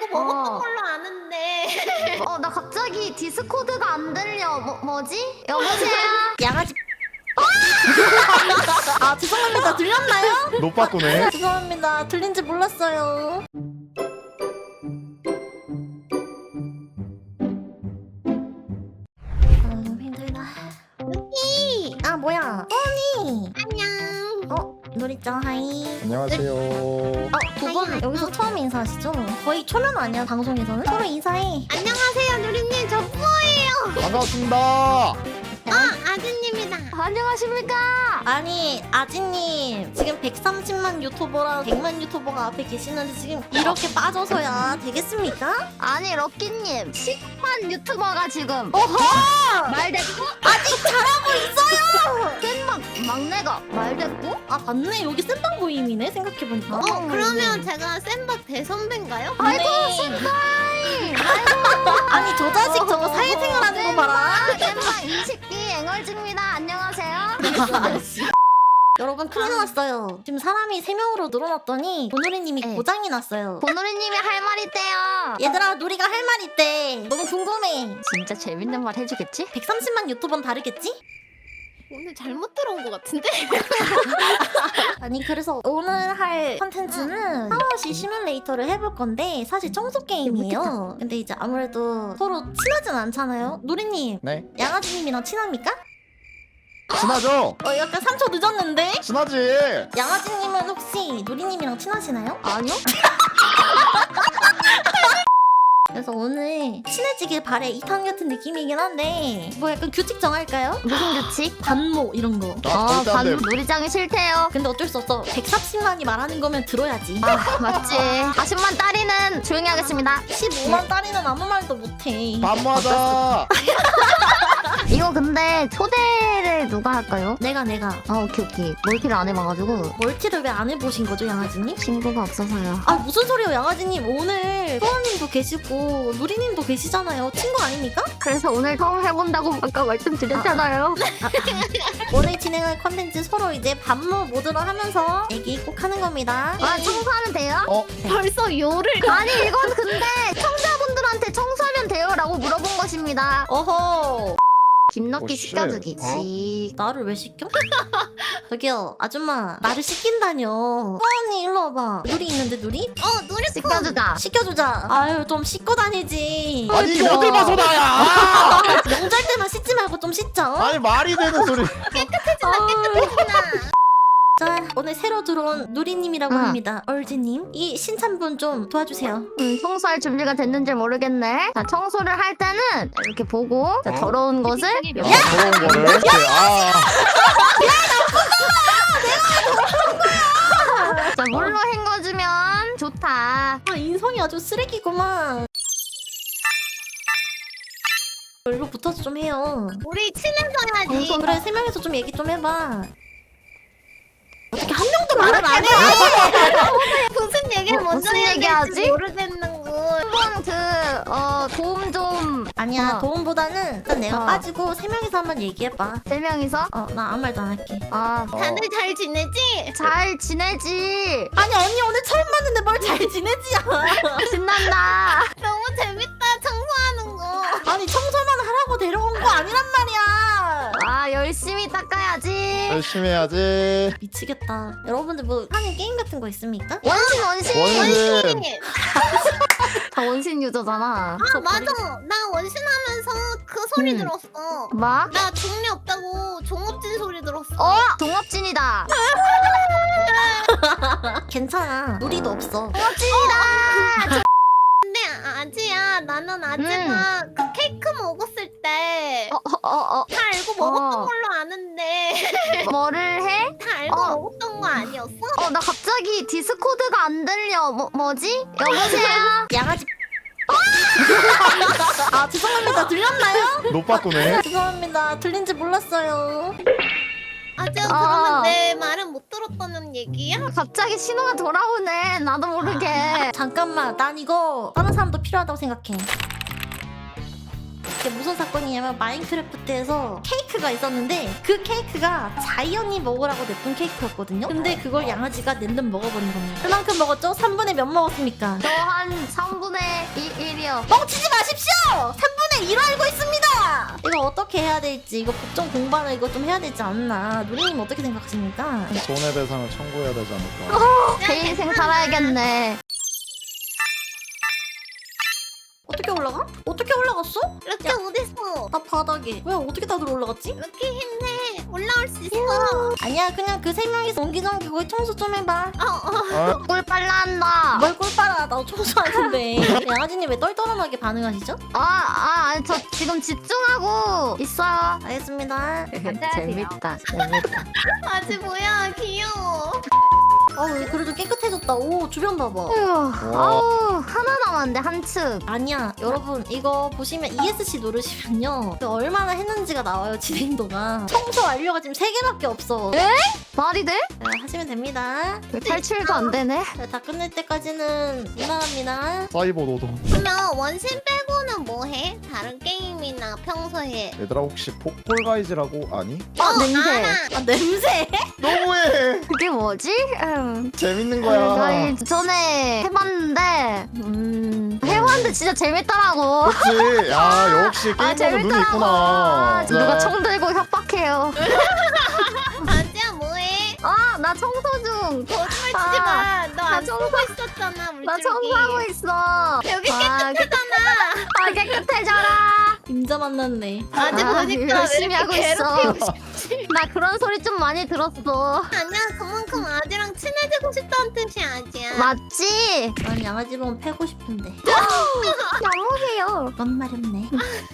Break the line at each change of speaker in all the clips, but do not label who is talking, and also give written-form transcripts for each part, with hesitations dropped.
먹었던 걸로 아는데.
나 갑자기 디스코드가 안 들려. 뭐지? 여보세요?
양아지. 아 죄송합니다. 들렸나요?
노빠꾸네.
죄송합니다. 들린지 몰랐어요. 힘들다. 루키. 아 뭐야? 뽀니.
안녕.
누리짱 하이.
안녕하세요.
두 분 여기서 처음 인사하시죠? 거의 초면 아니야 방송에서는? 서로 인사해.
안녕하세요, 누리님. 저 뿌어예요.
반갑습니다.
아드님이다.
안녕하십니까?
아니 아지님 지금 130만 유튜버랑 100만 유튜버가 앞에 계시는데 지금 이렇게 빠져서야 되겠습니까?
아니 럭키님 10만 유튜버가 지금
어허!
말대꾸?
아직 잘하고 있어요!
깻막 막내가 말대꾸?
아 맞네 여기 센방 모임이네 생각해보니까.
그러면 제가 센박 대선배인가요?
아이고
네.
신다이.
아니 저 자식 저거 사회생활 하는 거 봐라.
깻막 20기 앵얼즈입니다. 안녕하세요.
여러분 큰일 났어요. 지금 사람이 3명으로 늘어났더니 보누리님이
네.
고장이 났어요.
보노리님이 할 말 있대요.
얘들아 누리가 할 말 있대. 너무 궁금해.
진짜 재밌는 말 해주겠지?
130만 유튜버는 다르겠지?
오늘 잘못 들어온 것 같은데?
아니 그래서 오늘 할 컨텐츠는 샤워시 시뮬레이터를 해볼 건데 사실 청소 게임이에요. 근데 이제 아무래도 서로 친하진 않잖아요. 누리님
네.
양아지님이랑 친합니까?
친하죠?
약간 3초 늦었는데?
친하지.
양아지님은 혹시 누리님이랑 친하시나요?
아니요?
그래서 오늘 친해지길 바래 2탄 같은 느낌이긴 한데 뭐 약간 규칙 정할까요?
무슨 규칙?
반모 이런 거.
절대 안 돼.
놀이장이 싫대요.
근데 어쩔 수 없어. 130만이 말하는 거면 들어야지.
맞지. 40만 딸이는 조용히 하겠습니다.
15만 딸이는 아무 말도 못해.
반모하자.
이거 근데 초대를 누가 할까요?
내가
오케이. 멀티를 안 해봐가지고
멀티를 왜 안 해보신 거죠 양아지님?
친구가 없어서요.
아 무슨 소리예요 양아지님. 오늘 소원님도 계시고 누리님도 계시잖아요. 친구 아닙니까?
그래서 오늘 처음 해본다고 아까 말씀드렸잖아요.
오늘 진행할 컨텐츠 서로 이제 반모 모드로 하면서 얘기 꼭 하는 겁니다.
청소하면 돼요?
벌써 요를.
아니 이건 근데 청자분들한테 청소하면 돼요라고 물어본 것입니다.
어허.
김넣기
오, 쉣.
시켜주기. 지.
나를 왜 시켜? 저기요 아줌마 나를 시킨다뇨. 소원님 일로 와봐. 누리 있는데 누리?
누리
시켜주자.
시켜주자. 아유 좀 씻고 다니지.
아니 이게 어딜 봐서 나야.
명절 때만 씻지 말고 좀 씻자.
아니 말이 되는 소리.
자 오늘 새로 들어온 누리님이라고 합니다. 얼지님 이 신참분 좀 도와주세요.
청소할 준비가 됐는지 모르겠네. 자, 청소를 할 때는 이렇게 보고 자, 더러운 것을
더러운 거를. 이렇게.
자, 물로 헹궈주면 좋다.
아 인성이 아주 쓰레기구만. 일로 붙어서 좀 해요.
우리 친해서 해야지.
그래 3명이서 좀 얘기 좀 해봐. 어떻게 한 명도 말을 안 해?
무슨 얘기를 먼저
무슨
해야
얘기하지?
될지 모르겠는 거.
한번 도움 좀
아니야 도움보다는 일단 내가
어.
빠지고 3명이서 한번 얘기해봐.
3명이서
나 아무 말도 안 할게.
다들 잘 지내지?
잘 지내지.
아니 언니 오늘 처음 봤는데 뭘 잘 지내지야.
신난다.
너무 재밌다, 청소하는 거.
아니 청소만 하라고 데려온 거 아니란 말이야.
열심히 닦아야지.
열심히 해야지.
미치겠다. 여러분들 뭐 하는 게임 같은 거 있습니까?
원신.
원신.
다 원신 유저잖아.
맞아. 나 원신하면서 그 소리 들었어.
뭐?
나 종이 없다고 종업진 소리 들었어.
동업진이다.
괜찮아. 우리도 없어.
동업진이다.
근데 아지야, 나는 아지가 그 케이크 먹었을 때 다 알고 먹었던 걸로 아는데
뭐를 해?
다 알고 먹었던 거 아니었어?
나 갑자기 디스코드가 안 들려. 뭐지? 여보세요?
양아지. 아 죄송합니다. 들렸나요?
노빠꾸네.
죄송합니다. 들린지 몰랐어요.
아지야, 그러면 내 말은 못 들었다는 얘기야?
갑자기 신호가 돌아오네. 나도 모르게.
잠깐만. 난 이거 다른 사람도 필요하다고 생각해. 이게 무슨 사건이냐면 마인크래프트에서 케이크가 있었는데 그 케이크가 자이언이 먹으라고 냈던 케이크였거든요. 근데 그걸 양아지가 랜덤 먹어버린 겁니다. 그만큼 먹었죠? 3분의 몇 먹었습니까?
저 한 3분의 할게요.
뻥치지 마십시오. 3분의 1 알고 있습니다. 이거 어떻게 해야 될지 이거 법정 공부를 이거 좀 해야 되지 않나. 누리님 어떻게 생각하십니까?
손해배상을 청구해야 되지 않을까.
제 인생 살아야겠네.
어떻게 올라가? 어떻게 올라갔어?
럭키 어딨어?
나 바닥에. 왜 어떻게 다들 올라갔지?
럭키 힘내. 올라올 수 있어.
아니야 그냥 그 3명이서 옹기종기 거기 청소 좀 해봐.
아,
꿀 빨라한다.
뭘 꿀빨아. 나도 청소하는데. 양아지님 왜 떨떠름하게 반응하시죠?
저 지금 집중하고 있어요.
알겠습니다.
재밌다.
아지 뭐야 귀여워.
그래도 깨끗해졌다. 오 주변 봐봐.
아우 하나 남았는데 한 측.
아니야 여러분 이거 보시면 ESC 누르시면요 그 얼마나 했는지가 나와요. 진행도가. 청소 완료가 지금 3개밖에 없어.
말이 돼?
하시면 됩니다.
왜 탈출도 안 되네?
다 끝낼 때까지는 무난합니다.
사이버 노동.
그러면 원신 빼고는 뭐 해? 다른 게임이나 평소에.
얘들아 혹시 폭골가이즈라고 아니?
냄새.
알아.
아 냄새?
너무해.
그게 뭐지?
재밌는
나
거야.
전에 해봤는데 해봤는데 진짜 재밌더라고.
그렇지. 야 역시 게임 보는 눈이 있구나.
누가 총 들고 협박해요.
아지야 뭐해?
나 청소 중.
거짓말 치지 마. 너 안
청소-
쓰고 있었잖아 물줄기.
나 청소하고 있어.
여기
깨끗하잖아. 깨끗해져라.
임자 만났네.
아지 보니까 왜
열심히
이렇게
하고 있어.
괴롭히고 싶지?
나 그런 소리 좀 많이 들었어.
아니야 그만큼 아지랑 친해지고 싶다는 뜻이 아지야.
맞지?
난 양아지로는 패고 싶은데.
너무해요.
그건 말없네.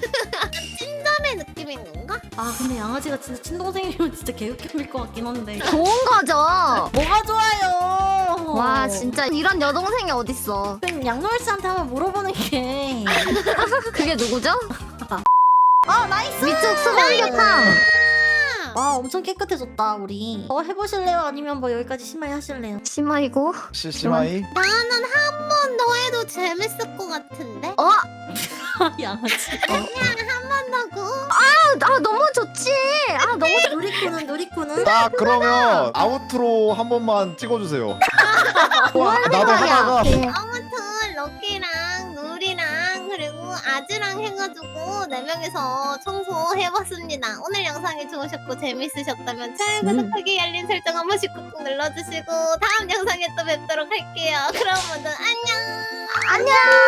찐담의 느낌인 건가?
아 근데 양아지가 진짜 친동생이면 진짜 개웃겨일 것 같긴 한데.
좋은 거죠.
뭐가 좋아요.
와 진짜 이런 여동생이 어딨어.
그럼 양노을 씨한테 한번 물어보는 게.
그게 누구죠?
나이스.
위쪽 수박교탕.
와 엄청 깨끗해졌다 우리. 해보실래요? 아니면 뭐 여기까지 심하게 하실래요?
심하이고.
시시마이.
나는 한 번 더 해도 재밌을 것 같은데?
양아지.
한 번 더고?
너무 좋지. 너무
누리꾸는.
자 그러면 아우트로 한 번만 찍어주세요. 나도
생각이야?
하다가
네.
아무튼 럭키랑 누리랑 그리고 아즈랑 해가지고 4명이서 청소해봤습니다. 오늘 영상이 좋으셨고 재밌으셨다면 좋아요, 구독하기, 알림 설정 한 번씩 꾹꾹 눌러주시고 다음 영상에 또 뵙도록 할게요. 그럼 모두 안녕!
안녕.